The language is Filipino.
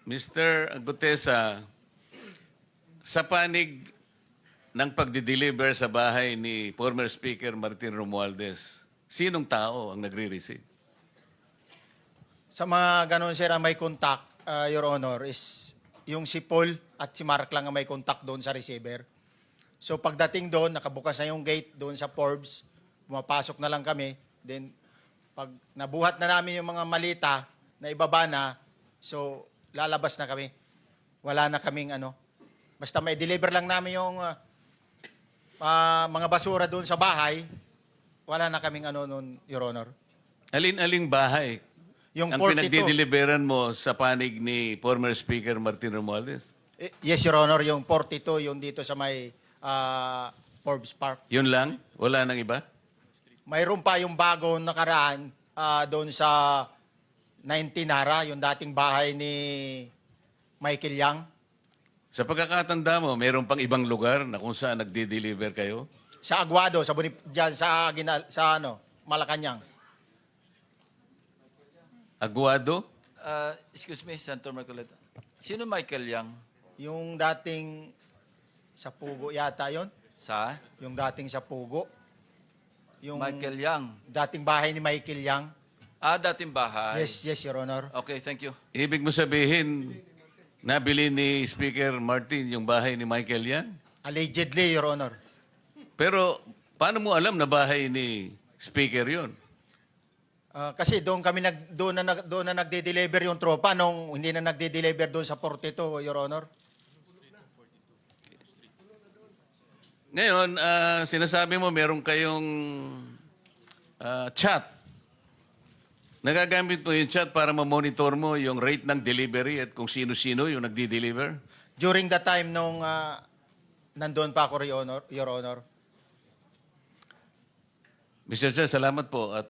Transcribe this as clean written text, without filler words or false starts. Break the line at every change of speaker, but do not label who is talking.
Mr. Gutesa, sa panig ng pagdi-deliver sa bahay ni former Speaker Martin Romualdez, sinong tao ang nagre-receive?
Sa mga ganun, sir, ang may contact, Your Honor, is yung si Paul at si Mark lang ang may contact doon sa receiver. So pagdating doon, nakabukas na yung gate doon sa Forbes, pumapasok na lang kami. Then pag nabuhat na namin yung mga malita na ibaba na, so lalabas na kami. Wala na kaming ano. Basta may deliver lang namin yung mga basura doon sa bahay, wala na kaming ano noon, Your Honor.
Alin-aling bahay
Yung
ang
42.
pinagdi-deliveran mo sa panig ni former Speaker Martin Romualdez?
Yes, Your Honor, yung 42, yung dito sa may Forbes Park.
Yun lang? Wala nang iba?
Mayroon pa yung bago nakaraan doon sa 19 Nara, yung dating bahay ni Michael Yang.
Sa pagkakatanda mo, mayroon pang ibang lugar na kung saan nagdi-deliver kayo?
Sa Aguado, dyan sa Malacanang.
Aguado?
Excuse me, Senator Marcoleta. Sino Michael Yang?
Yung dating sa Pugo yata yon,
Sa?
yung dating sa Pugo. Yung
Michael Yang.
dating bahay ni Michael Yang.
Dating bahay.
Yes, Your Honor.
Okay, thank you.
Ibig mo sabihin, nabili ni Speaker Martin yung bahay ni Michael yan?
Allegedly, Your Honor.
Pero paano mo alam na bahay ni Speaker yon?
Kasi doon na nagde-deliver yung tropa nung hindi na nagde-deliver doon sa 42, Your Honor.
Ngayon, sinasabi mo meron kayong chat. Nagagamit mo yung chat para ma-monitor mo yung rate ng delivery at kung sino-sino yung nagdi-deliver?
During the time nung nandoon pa ako, Your Honor.
Mr. Chair, salamat po. At